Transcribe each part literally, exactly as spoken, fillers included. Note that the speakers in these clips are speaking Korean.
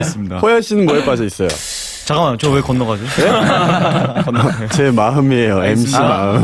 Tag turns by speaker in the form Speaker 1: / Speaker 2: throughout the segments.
Speaker 1: 있습니다.
Speaker 2: 호야 씨는 뭐에 빠져 있어요?
Speaker 1: 잠깐만, 저 왜 건너가죠? 네?
Speaker 2: 제 마음이에요. 엠씨 마음.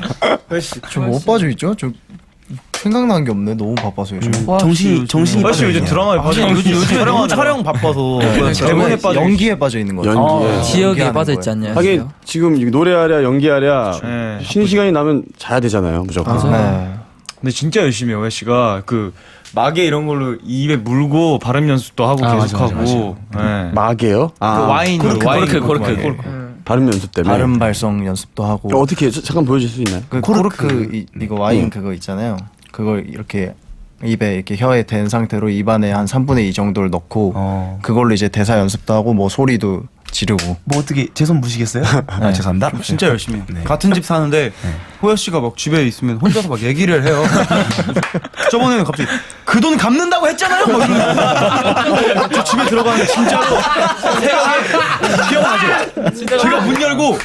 Speaker 3: 저 뭐 빠져 있죠? 저 생각나는 게 없네. 너무 바빠서 요즘.
Speaker 4: 정신이 정신이
Speaker 1: 훨씨 요즘 드라마에 빠져 있는 요즘 요즘 촬영 촬영 바빠서 대본에 빠져
Speaker 3: 연기에 빠져 있는 거죠.
Speaker 2: 연기에.
Speaker 3: 아,
Speaker 5: 지역에
Speaker 3: 연기하는
Speaker 5: 빠져
Speaker 3: 거예요.
Speaker 5: 있지 않냐?
Speaker 2: 하긴 지금 노래하랴 연기하랴
Speaker 1: 네,
Speaker 2: 쉬는 시간이 나면 자야 되잖아요. 무조건.
Speaker 3: 네.
Speaker 1: 근데 진짜 열심히 해요, 씨가 그 마개 이런 걸로 입에 물고 발음 연습도 하고
Speaker 5: 아,
Speaker 1: 계속
Speaker 5: 맞아, 맞아,
Speaker 1: 하고. 네.
Speaker 2: 마개요?
Speaker 1: 그
Speaker 2: 아,
Speaker 1: 와인
Speaker 5: 코르크,
Speaker 1: 와인
Speaker 5: 코르크, 코르크,
Speaker 1: 마개.
Speaker 5: 코르크.
Speaker 2: 발음 연습 때문에.
Speaker 3: 발음 발성 연습도 하고.
Speaker 2: 어, 어떻게 해요? 잠깐 보여줄 수 있나요?
Speaker 3: 그 코르크 이, 이거 와인 그거 있잖아요. 그걸 이렇게 입에 이렇게 혀에 댄 상태로 입안에 한 삼분의 이 정도를 넣고
Speaker 4: 어.
Speaker 3: 그걸로 이제 대사 연습도 하고 뭐 소리도 지르고.
Speaker 4: 뭐 어떻게 제 손 무시겠어요? 아, 죄송합니다.
Speaker 1: 진짜 열심히 해요.
Speaker 4: 네.
Speaker 1: 같은 집 사는데 호야 씨가 막 집에 있으면 혼자서 막 얘기를 해요. 저번에는 갑자기 그 돈 갚는다고 했잖아요. 막 이러면서 저 집에 들어가는데 진짜로 새벽에 기억나죠? 제가 문 열고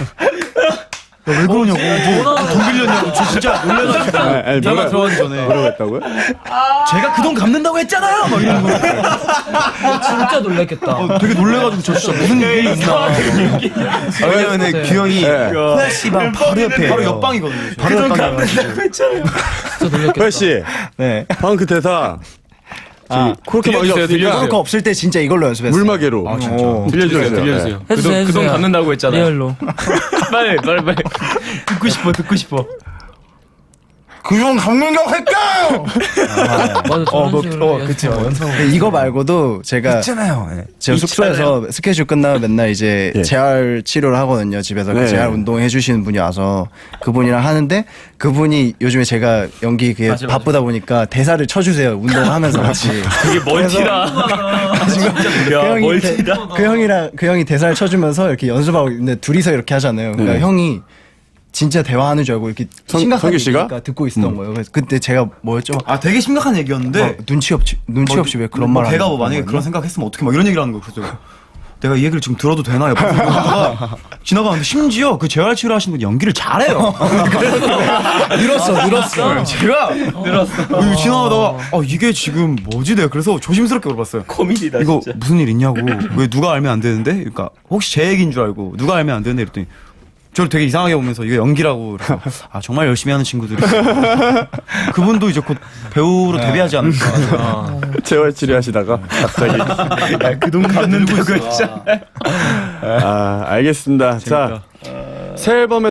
Speaker 1: 왜 그러냐고 뭐돈 빌렸냐고 저 진짜 놀래가지고
Speaker 2: 아니, 아니,
Speaker 1: 제가
Speaker 2: 뭐라-
Speaker 1: 들어가기 전에
Speaker 2: 뭐라고 했다고요?
Speaker 1: 제가 그 돈 갚는다고 했잖아요. 막 이러는 거예요.
Speaker 5: 진짜 놀랐겠다.
Speaker 1: 어, 되게 놀래가지고 저 진짜 무슨 일이 있나.
Speaker 4: 왜냐면은 규영이
Speaker 2: 네.
Speaker 4: 호야 씨방 바로 옆에
Speaker 1: 바로 옆방이거든요.
Speaker 4: 바로 옆방이에요.
Speaker 5: 진짜 놀랐겠다.
Speaker 2: 호야 씨,
Speaker 3: 네.
Speaker 2: 방금 그 대사 아, 코르크 마개 없으니까
Speaker 3: 코르크 없을 때 진짜 이걸로 연습했어요.
Speaker 2: 물마개로. 아, 진짜. 빌려주세요.
Speaker 6: 들려주세요.
Speaker 5: 해주세요, 해주세요.
Speaker 6: 그돈 갚는다고 했잖아요.
Speaker 5: 리얼로.
Speaker 6: 빨리 빨리 빨리.
Speaker 1: 듣고 싶어 듣고 싶어.
Speaker 3: 그형 강민경 할까요?
Speaker 5: 맞아, 저런
Speaker 3: 뭐,
Speaker 5: 식으로
Speaker 3: 어, 그치,
Speaker 5: 연습하고.
Speaker 3: 근데 이거 말고도 제가
Speaker 4: 있잖아요. 네.
Speaker 3: 제가 숙소에서 스케줄 끝나면 맨날 이제
Speaker 2: 예.
Speaker 3: 재활 치료를 하거든요. 집에서
Speaker 2: 네.
Speaker 3: 그 재활 운동 해주시는 분이 와서 그분이랑 하는데 그분이 요즘에 제가 연기 그게 바쁘다 보니까 대사를 쳐주세요. 운동하면서 같이.
Speaker 6: 그게 멀티다.
Speaker 3: 그 형이 대- 그 형이랑 그 형이 대사를 쳐주면서 이렇게 연습하고 있는데 둘이서 이렇게 하잖아요. 그러니까
Speaker 2: 네.
Speaker 3: 형이 진짜 대화하는 줄 알고 이렇게
Speaker 2: 성-
Speaker 3: 심각한
Speaker 2: 성규 씨가?
Speaker 3: 얘기니까 듣고 있었던 거예요. 그래서 그때 제가 뭐였죠? 막
Speaker 1: 아 되게 심각한 얘기였는데
Speaker 3: 막 눈치 없이 눈치 없이 왜 그런
Speaker 1: 뭐
Speaker 3: 말
Speaker 1: 걔가
Speaker 3: 하는
Speaker 1: 뭐 만약에
Speaker 3: 거였나?
Speaker 1: 그런 생각했으면 어떻게 막 이런 얘기를 하는 거예요. 그래서 내가 이 얘기를 지금 들어도 되나 옆에서 이러다가 지나가는데 심지어 그 재활 치료 하시는 분 연기를 잘해요.
Speaker 3: 늘었어 늘었어.
Speaker 1: 제가 늘었어. 지나가다가 아 이게 지금 뭐지 내가 그래서 조심스럽게 물어봤어요.
Speaker 6: 코미디다
Speaker 1: 이거
Speaker 6: 진짜.
Speaker 1: 무슨 일 있냐고. 왜 누가 알면 안 되는데? 그러니까 혹시 제 얘기인 줄 알고 누가 알면 안 되는데 이랬더니 저를 되게 이상하게 보면서 이거 연기라고. 그래서 아 정말 열심히 하는 친구들이 그분도 이제 곧 배우로 데뷔하지 않을까.
Speaker 2: 재활 치료하시다가 갑자기.
Speaker 1: 그돈 갚는 거 있잖아.
Speaker 2: 아, 알겠습니다. 자, 새 앨범에